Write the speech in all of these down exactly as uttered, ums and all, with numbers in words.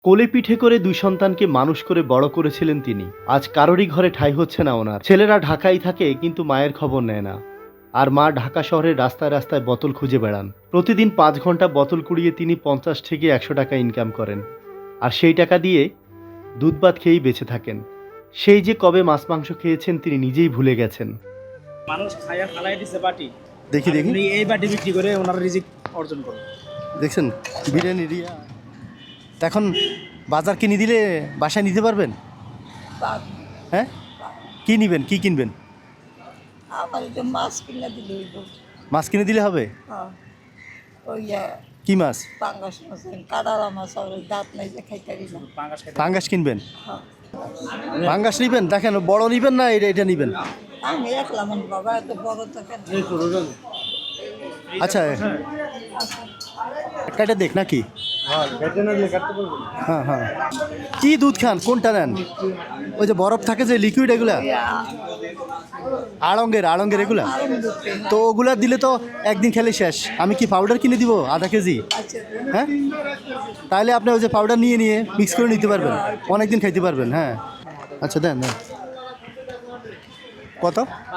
কোলে পিঠে করে দুই সন্তানকে মানুষ করে বড় করেছিলেন তিনি। আজ কারোরই ঘরে ঠাঁই হচ্ছে না ওনার। ছেলেরা ঢাকায় থাকে কিন্তু মায়ের খবর নেয় না। আর মা ঢাকা শহরের রাস্তায় রাস্তায় বোতল খুঁজে বেড়ান। প্রতিদিন পাঁচ ঘন্টা বোতল কুড়িয়ে তিনি পঞ্চাশ থেকে একশো টাকা ইনকাম করেন। আর সেই টাকা দিয়ে দুধ ভাত খেয়েই বেঁচে থাকেন। সেই যে কবে মাছ মাংস খেয়েছেন তিনি নিজেই ভুলে গেছেন। মানুষ খাইয়া ফালাই দিছে বাটি। দেখি দেখি উনি এই বাটি বিক্রি করে ওনার রিজিক অর্জন করে। দেখছেন বিরিয়ানি রিয়া। এখন বাজার কিনে দিলে বাসায় নিতে পারবেন? হ্যাঁ, কি নিবেন, কি কিনবেন? আমার একটু মাছ কিনে দিলে হইব। মাছ কিনে দিলে হবে? হ্যাঁ, ওই কি মাছ? পাঙ্গাস মাছ, কাদালা মাছ, আর ওই দাঁত নাই যে খাইতে পারি না। পাঙ্গাস খাইতে পাঙ্গাস কিনবেন? হ্যাঁ, পাঙ্গাস নিবেন? দেখেন বড় নিবেন না এটা এটা নিবেন? আমি একলা মন বাবা, এত বড় তো কেন? আচ্ছা, কেটে দেখ নাকি? হ্যাঁ হ্যাঁ। কি দুধ খান, কোনটা নেন? ওই যে বরফ থাকে যে লিকুইড, এগুলা আড়ঙ্গের আড়ঙ্গের এগুলা তো ওগুলা দিলে তো একদিন খেলে শেষ। আমি কি পাউডার কিনে দিব আধা কেজি? আচ্ছা, হ্যাঁ, তাহলে আপনি ওই যে পাউডার নিয়ে নিয়ে মিক্স করে নিতে পারবেন, অনেকদিন খাইতে পারবেন। হ্যাঁ আচ্ছা, দেন দেন। কত?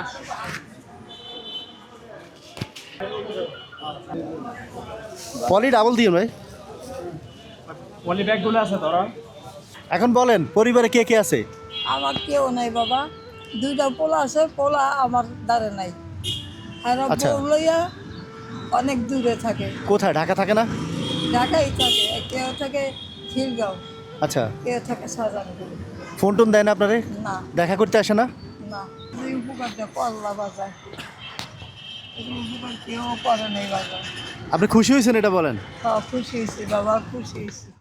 পলি ডাবল দিয়ে ভাই। পলি ব্যাগগুলো আছে তোরা। এখন বলেন পরিবারে কে কে আছে? আমার কেউ নাই বাবা, দুইটা পোলা আছে, পোলা আমার দ্বারে নাই। আর আচ্ছা। বউ লইয়া অনেক দূরে থাকে, কোথায়? ঢাকা থাকে না? ঢাকাই থাকে। কেউ থাকে খিলগাঁও, আচ্ছা, কেউ থাকে শাহজাহানপুর। ফোন টোন দেয় না আপনারে? না দেখা করতে আসে না? না, এই উপকারটা করলা বাজার, এই উপকার কেউ করে নেই বাজার। আপনি খুশি হয়েছেন এটা বলেন? হ্যাঁ, খুশি হয়েছি বাবা, খুশি হয়েছি।